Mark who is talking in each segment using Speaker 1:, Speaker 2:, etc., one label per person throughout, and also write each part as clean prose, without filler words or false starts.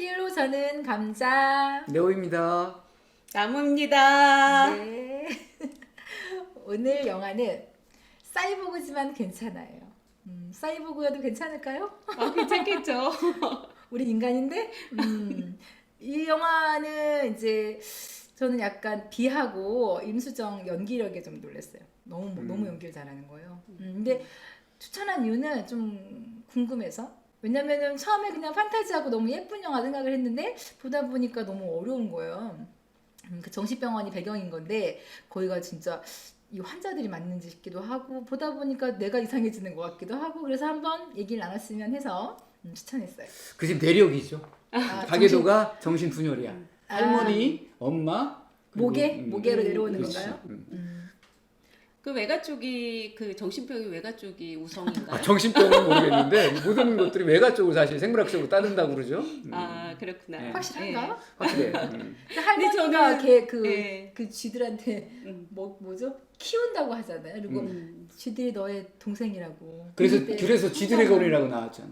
Speaker 1: 연기로 저는 감자.
Speaker 2: 네오입니다.
Speaker 3: 나무입니다.
Speaker 1: 네. 오늘 영화는 사이보그지만 괜찮아요. 사이보그여도 괜찮을까요?
Speaker 3: 괜찮겠죠.
Speaker 1: 우리 인간인데. 이 영화는 이제 저는 약간 비하고 임수정 연기력에 좀 놀랐어요. 너무 연기를 잘하는 거예요. 근데 추천한 이유는 좀 궁금해서. 왜냐면은 처음에 그냥 판타지하고 너무 예쁜 영화 생각을 했는데 보다 보니까 너무 어려운 거예요. 그 정신병원이 배경인 건데 거기가 진짜 이 환자들이 맞는지 싶기도 하고 보다 보니까 내가 이상해지는 것 같기도 하고 그래서 한번 얘기를 나눴으면 해서 추천했어요.
Speaker 2: 그 집 내력이죠.
Speaker 1: 아,
Speaker 2: 가계도가 정신분열이야. 할머니, 엄마,
Speaker 1: 모계로 내려오는
Speaker 2: 그렇지.
Speaker 1: 건가요?
Speaker 3: 그 외가 쪽이 그 정신병이 외가 쪽이 우성인가요?
Speaker 2: 정신병은 모르겠는데 모든 것들이 외가 쪽으로 사실 생물학적으로 따른다고 그러죠.
Speaker 3: 그렇구나.
Speaker 2: 네.
Speaker 1: 확실한가요?
Speaker 2: 확실해.
Speaker 1: 할머니가
Speaker 3: 저는-
Speaker 1: 그 쥐들한테 뭐죠? 키운다고 하잖아요. 그리고 쥐들이 너의 동생이라고.
Speaker 2: 그래서 쥐들의 거리라고 나왔잖아.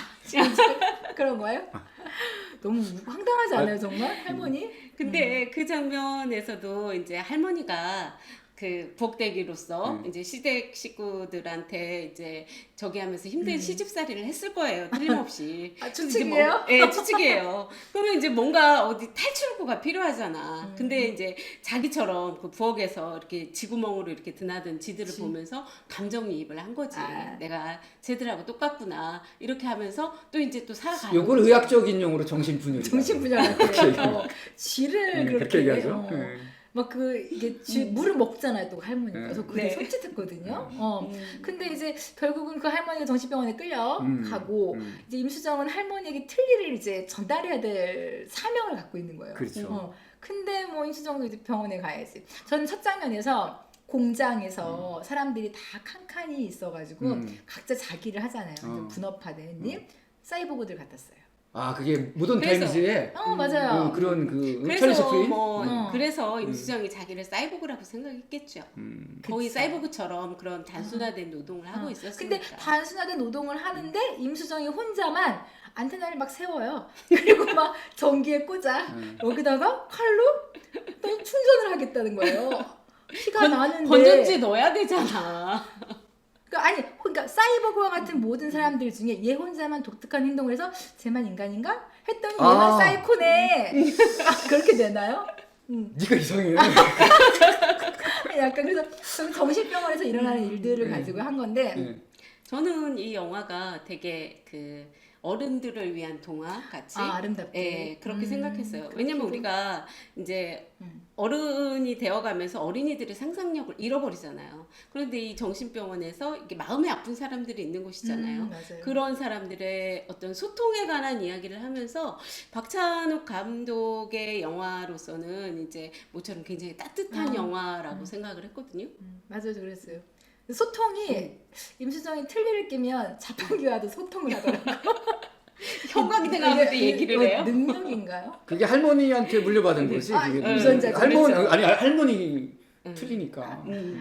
Speaker 1: 그런 거예요? 너무 황당하지 않아요, 정말? 할머니?
Speaker 3: 근데 그 장면에서도 이제 할머니가 그 부엌대기로서 이제 시댁 식구들한테 이제 저기 하면서 힘든 시집살이를 했을 거예요. 틀림없이.
Speaker 1: 추측이에요?
Speaker 3: 네, 추측이에요. 그러면 이제 뭔가 어디 탈출구가 필요하잖아. 근데 이제 자기처럼 그 부엌에서 이렇게 쥐구멍으로 이렇게 드나든 쥐들을 보면서 감정이입을 한 거지. 내가 쟤들하고 똑같구나. 이렇게 하면서 또 이제 또 살아가는
Speaker 2: 요걸
Speaker 3: 거지.
Speaker 2: 의학적인 용어로 정신분열.
Speaker 1: 정신분열한테 쥐를
Speaker 2: 그렇게
Speaker 1: 그렇게
Speaker 2: 얘기하죠.
Speaker 1: 막 이게 물을 먹잖아요, 또 할머니가. 그래서 그게
Speaker 3: 네.
Speaker 1: 솔깃했거든요. 근데 이제 결국은 그 할머니가 정신병원에 끌려가고 이제 임수정은 할머니에게 틀니를 이제 전달해야 될 사명을 갖고 있는 거예요.
Speaker 2: 그렇죠.
Speaker 1: 근데 뭐 임수정도 이제 병원에 가야지. 저는 첫 장면에서 공장에서 사람들이 다 칸칸이 있어가지고 각자 자기를 하잖아요. 분업화된 사이보그들 같았어요.
Speaker 2: 아 그게 모던
Speaker 3: 그래서-
Speaker 2: 타임즈에
Speaker 1: 맞아요.
Speaker 2: 그런 그 찰리
Speaker 3: 그래서
Speaker 2: 스프린?
Speaker 3: 그래서 임수정이 자기를 사이보그라고 생각했겠죠. 거의
Speaker 1: 그쵸.
Speaker 3: 사이보그처럼 그런 단순화된 노동을 하고 있었으니까.
Speaker 1: 근데 단순화된 노동을 하는데 임수정이 혼자만 안테나를 막 세워요. 그리고 막 전기에 꽂아. 여기다가 칼로 또 충전을 하겠다는 거예요. 피가 나는데.
Speaker 3: 건전지 넣어야 되잖아.
Speaker 1: 그러니까 사이버그와 같은 모든 사람들 중에 얘 혼자만 독특한 행동을 해서 쟤만 인간인가? 했더니 얘만 사이코네. 그렇게 되나요?
Speaker 2: 네가 이상해.
Speaker 1: 약간 그래서 정신병원에서 일어나는 일들을 가지고 한 건데
Speaker 2: 네.
Speaker 3: 저는 이 영화가 되게 그 어른들을 위한 동화 같이
Speaker 1: 아름답게.
Speaker 3: 예, 그렇게 생각했어요. 왜냐면 우리가 이제 어른이 되어가면서 어린이들의 상상력을 잃어버리잖아요. 그런데 이 정신병원에서 이게 마음이 아픈 사람들이 있는 곳이잖아요.
Speaker 1: 맞아요.
Speaker 3: 그런 사람들의 어떤 소통에 관한 이야기를 하면서 박찬욱 감독의 영화로서는 이제 모처럼 굉장히 따뜻한 영화라고 생각을 했거든요.
Speaker 1: 맞아요, 그랬어요. 소통이 임수정이 틀니를 끼면 자판기와도 소통을 하더라고요.
Speaker 3: 형광이 돼가면서
Speaker 1: 이게
Speaker 3: 얘기를 해요?
Speaker 1: 능력인가요?
Speaker 2: 그게 할머니한테 물려받은 거지. 그게
Speaker 1: 유전자
Speaker 2: 할머니
Speaker 3: 그렇죠.
Speaker 2: 아니 할머니 틀리니까.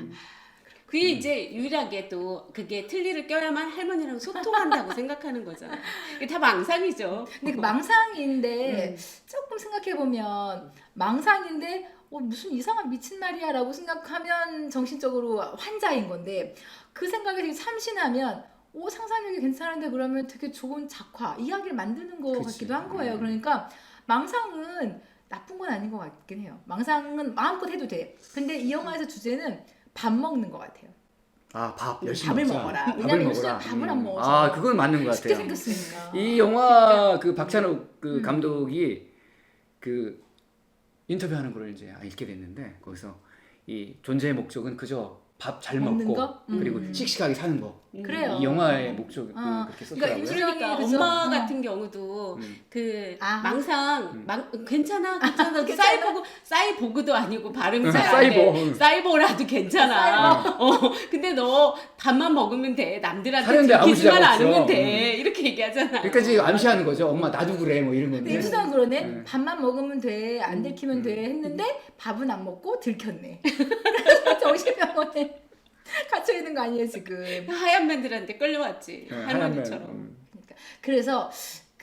Speaker 3: 그게 이제 유일하게 또 그게 틀니를 껴야만 할머니랑 소통한다고 생각하는 거잖아요. 이게 다 망상이죠.
Speaker 1: 근데 그 망상인데 조금 생각해 보면 망상인데 무슨 이상한 미친 말이야라고 생각하면 정신적으로 환자인 건데 그 생각에 되게 참신하면 상상력이 괜찮은데 그러면 되게 좋은 작화 이야기를 만드는 것
Speaker 2: 그치.
Speaker 1: 같기도 한 거예요. 그러니까 망상은 나쁜 건 아닌 것 같긴 해요. 망상은 마음껏 해도 돼. 근데 이 영화에서 주제는 밥 먹는 것 같아요.
Speaker 2: 아, 밥 열심히
Speaker 1: 밥을
Speaker 2: 먹자.
Speaker 1: 먹어라.
Speaker 2: 밥을
Speaker 1: 왜냐면
Speaker 2: 먹어라.
Speaker 1: 요즘에 밥을 안 먹어서.
Speaker 2: 아, 그건 맞는 것
Speaker 1: 쉽게
Speaker 2: 같아요.
Speaker 1: 생겼으니까.
Speaker 2: 이 영화 그 박찬욱 그 감독이 그 인터뷰하는 걸 이제 읽게 됐는데 거기서 이 존재의 목적은 그저 밥 잘
Speaker 1: 먹는
Speaker 2: 먹고
Speaker 1: 거?
Speaker 2: 그리고 씩씩하게 사는 거.
Speaker 1: 그래요.
Speaker 2: 이 영화의 목적이
Speaker 1: 어.
Speaker 2: 그렇게
Speaker 1: 그러니까
Speaker 2: 썼더라고요.
Speaker 3: 그러니까
Speaker 1: 그죠?
Speaker 3: 엄마
Speaker 1: 어.
Speaker 3: 같은 경우도 그
Speaker 1: 망상.
Speaker 3: 괜찮아
Speaker 1: 괜찮아.
Speaker 3: 사이보그도 아니고 발음
Speaker 2: 사이보.
Speaker 3: 사이보라도 괜찮아. 근데 너 밥만 먹으면 돼. 남들한테
Speaker 2: 사는데 아무
Speaker 3: 들키지만
Speaker 2: 지장 없어.
Speaker 3: 않으면 돼. 이렇게 얘기하잖아.
Speaker 2: 그러니까 지금 암시하는 거죠. 엄마 나도 그래 뭐 이런
Speaker 1: 근데
Speaker 2: 건데.
Speaker 1: 임수정 그러네. 밥만 먹으면 돼. 안 들키면 돼. 했는데 밥은 안 먹고 들켰네. 그래서 정신병원에 갇혀 있는 거 아니에요 지금.
Speaker 3: 하얀 맨들한테 끌려왔지.
Speaker 2: 네,
Speaker 3: 할머니처럼.
Speaker 2: 하얀
Speaker 1: 그래서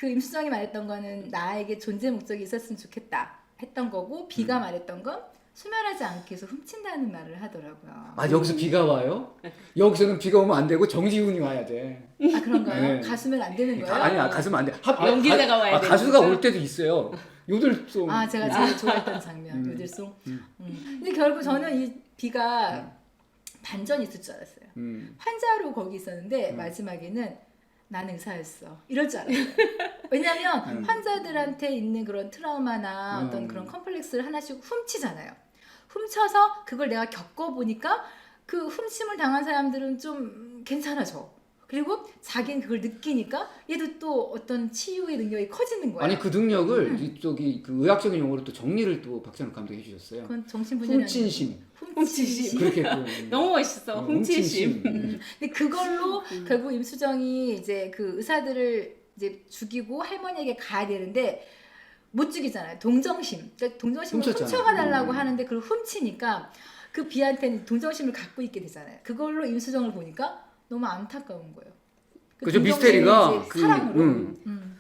Speaker 1: 그 임수정이 말했던 거는 나에게 존재 목적이 있었으면 좋겠다 했던 거고 B가 말했던 건 소멸하지 않기 위해서 훔친다는 말을 하더라고요.
Speaker 2: 아 여기서 비가 와요? 여기서는 비가 오면 안 되고 정지훈이 와야 돼.
Speaker 1: 아 그런가요?
Speaker 2: 네.
Speaker 1: 가수면 안 되는 거예요?
Speaker 2: 아니야 가수면 안 돼.
Speaker 3: 연기자가 와야 되는
Speaker 2: 가수가
Speaker 3: 거죠?
Speaker 2: 올 때도 있어요. 요들송.
Speaker 1: 아 제가 제일 좋아했던 장면 요들송. 근데 결국 저는 이 B가 반전이 있을 줄 알았어요. 환자로 거기 있었는데 마지막에는 나는 의사였어. 이럴 줄 알았어요. 왜냐하면 환자들한테 있는 그런 트라우마나 어떤 그런 컴플렉스를 하나씩 훔치잖아요. 훔쳐서 그걸 내가 겪어보니까 그 훔침을 당한 사람들은 좀 괜찮아져. 그리고 자기는 그걸 느끼니까 얘도 또 어떤 치유의 능력이 커지는 거야.
Speaker 2: 아니 그 능력을 이쪽이 그 의학적인 용어로 또 정리를 또 박찬욱 감독이 해주셨어요.
Speaker 1: 그건 정신분열이
Speaker 2: 훔친심.
Speaker 3: 훔치심.
Speaker 2: 그렇게
Speaker 3: 너무 멋있어. 훔치심.
Speaker 1: 근데 그걸로 결국 임수정이 이제 그 의사들을 이제 죽이고 할머니에게 가야 되는데 못 죽이잖아요. 동정심. 그러니까 동정심을
Speaker 2: 훔쳤잖아.
Speaker 1: 훔쳐가달라고 하는데 그걸 훔치니까 그 비한테는 동정심을 갖고 있게 되잖아요. 그걸로 임수정을 보니까 너무 안타까운 거예요. 그
Speaker 2: 그죠
Speaker 1: 동정심이
Speaker 2: 미스테리가
Speaker 1: 이제 사랑으로.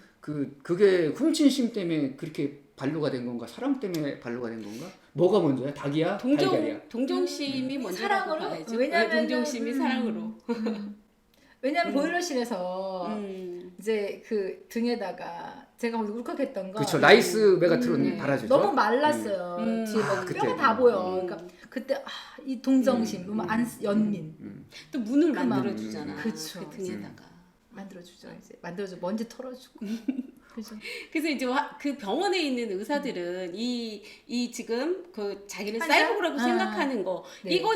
Speaker 2: 그게 훔친심 때문에 그렇게 반로가 된 건가 사랑 때문에 반로가 된 건가 뭐가 먼저야 닭이야 달걀이야
Speaker 3: 동정심이 먼저라고
Speaker 1: 사랑으로?
Speaker 3: 봐야죠.
Speaker 1: 왜냐면은,
Speaker 3: 동정심이 사랑으로.
Speaker 1: 왜냐면 보일러실에서
Speaker 3: 음.
Speaker 1: 이제 그 등에다가 제가 거기서 울컥했던 거.
Speaker 2: 그렇죠 라이스 메가트론 달아주죠.
Speaker 1: 너무 말랐어요. 뒤에 막
Speaker 2: 그때.
Speaker 1: 뼈가 다 보여. 그러니까 그때 이 동정심, 연민
Speaker 3: 또 문을
Speaker 1: 그 마음.
Speaker 3: 만들어주잖아.
Speaker 1: 그쵸.
Speaker 3: 그 등에다가.
Speaker 1: 만들어주죠. 이제 만들어줘 먼지 털어주고. 그죠.
Speaker 3: 그래서 이제 그 병원에 있는 의사들은 이 지금 그 자기를
Speaker 1: 환자?
Speaker 3: 사이보그라고
Speaker 1: 아.
Speaker 3: 생각하는 거
Speaker 1: 네.
Speaker 3: 이거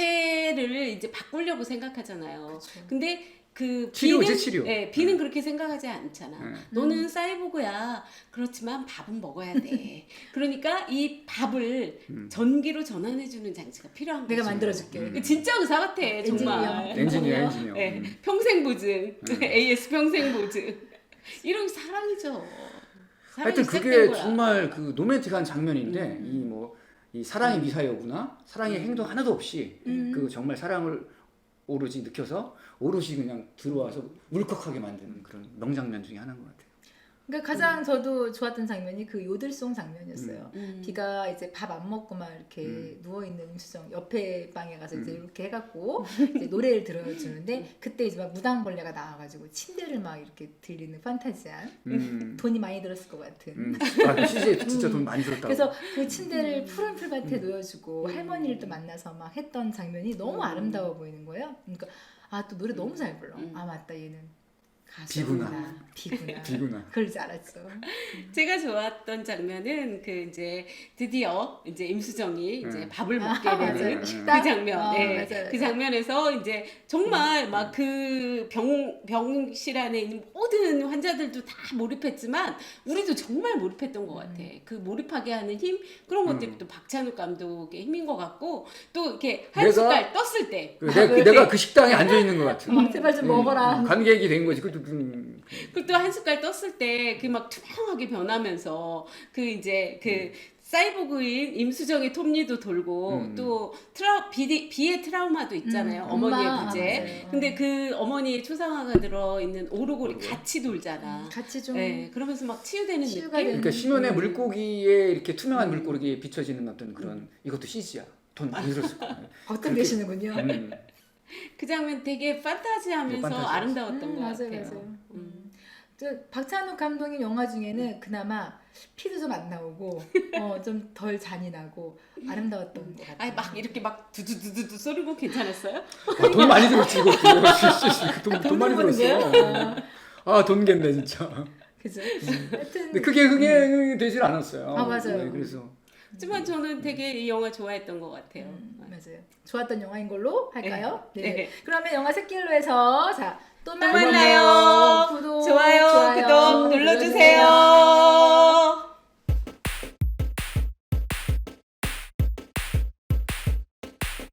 Speaker 3: 자체를 이제 바꾸려고 생각하잖아요.
Speaker 1: 그쵸.
Speaker 3: 근데 그
Speaker 2: 치료지,
Speaker 3: B는
Speaker 2: 치료.
Speaker 3: B는 그렇게 생각하지 않잖아.
Speaker 2: 네.
Speaker 3: 너는 사이보그야. 그렇지만 밥은 먹어야 돼. 그러니까 이 밥을 전기로 전환해주는 장치가 필요한 거죠.
Speaker 1: 내가 만들어줄게.
Speaker 3: 진짜 의사 같아 정말.
Speaker 2: 엔지니어
Speaker 3: 네, 평생 보증, AS 평생 보증. 이런 사랑이죠. 사랑이
Speaker 2: 하여튼
Speaker 3: 시작된
Speaker 2: 그게
Speaker 3: 거야.
Speaker 2: 정말 그 로맨틱한 장면인데 이 사랑이 미사여구나 사랑의 행동 하나도 없이 그 정말 사랑을 오로지 느껴서 오롯이 그냥 들어와서 울컥하게 만드는 그런 명장면 중에 하나인 것 같아요.
Speaker 1: 그러니까 가장 저도 좋았던 장면이 그 요들송 장면이었어요.
Speaker 3: 음.
Speaker 1: 비가 이제 밥 안 먹고 막 이렇게 누워 있는 임수정 옆에 방에 가서 이제 이렇게 해갖고 이제 노래를 들어주는데 그때 이제 막 무당벌레가 나와가지고 침대를 막 이렇게 들리는 판타지한 돈이 많이 들었을 것 같은.
Speaker 2: 아, CJ 진짜 돈 많이 들었다고.
Speaker 1: 그래서 그 침대를 푸른 풀밭에 놓여주고 할머니를 또 만나서 막 했던 장면이 너무 아름다워 보이는 거예요. 그러니까 아 또 노래 너무 잘 불러. 아 맞다 얘는 가수구나. 비구나.
Speaker 2: 비구나.
Speaker 1: 그럴 줄 알았죠.
Speaker 3: 제가 좋았던 장면은 그 이제 드디어 이제 임수정이 이제 밥을 먹게
Speaker 1: 아,
Speaker 3: 되는
Speaker 1: 맞아요.
Speaker 3: 그
Speaker 1: 식당?
Speaker 3: 장면.
Speaker 1: 맞아요,
Speaker 3: 그
Speaker 1: 맞아요.
Speaker 3: 장면에서 이제 정말 막 그 병실 안에 있는 모든 환자들도 다 몰입했지만 우리도 정말 몰입했던 것 같아. 그 몰입하게 하는 힘 그런 것들이 또 박찬욱 감독의 힘인 것 같고 또 이렇게 한
Speaker 2: 내가-
Speaker 3: 숟갈 떴을 때
Speaker 2: 내가 그 식당에 앉아 있는 것 같아.
Speaker 1: 제발 좀 먹어라.
Speaker 2: 관객이 된 거지. 그것도
Speaker 3: 그리고 또 한 숟갈 떴을 때 그 막 투명하게 변하면서 그 이제 그 사이보그인 임수정의 톱니도 돌고 또 비의 트라우마도 있잖아요. 어머니의
Speaker 1: 엄마.
Speaker 3: 부재.
Speaker 1: 맞아요.
Speaker 3: 근데 그 어머니의 초상화가 들어있는 오르골이 같이 돌잖아.
Speaker 1: 같이 좀
Speaker 3: 네, 그러면서 막 치유되는
Speaker 1: 치유가
Speaker 3: 느낌?
Speaker 1: 되는
Speaker 2: 그러니까 신혼의 물고기에 이렇게 투명한 물고기에 비춰지는 어떤 그런 이것도 CG야. 돈 많이 들었을 거야.
Speaker 1: 걱정되시는군요.
Speaker 3: 그 장면 되게 판타지하면서
Speaker 2: 판타지였어.
Speaker 3: 아름다웠던 것
Speaker 1: 맞아요,
Speaker 3: 같아요.
Speaker 1: 맞아요. 저 박찬욱 감독님 영화 중에는 그나마 피도 좀 안 나오고 좀 덜 잔인하고 아름다웠던 것 같아요.
Speaker 3: 아니 막 이렇게 막 두두두두두 소리고 괜찮았어요?
Speaker 2: 아, 돈 많이 들었지 이것도. 돈 많이
Speaker 1: 보는
Speaker 2: 들었어.
Speaker 1: 거예요?
Speaker 2: 아돈 겠네 진짜.
Speaker 1: 그죠? 하여튼
Speaker 2: 근데 그게 흥행이 되질 않았어요.
Speaker 1: 아, 맞아요.
Speaker 2: 네, 그래서
Speaker 3: 하지만 저는 되게 이 영화 좋아했던 것 같아요.
Speaker 1: 맞아요. 좋았던 영화인 걸로 할까요?
Speaker 3: 네.
Speaker 1: 네.
Speaker 3: 네.
Speaker 1: 그러면 영화 샛길로에서 자 또 만나요.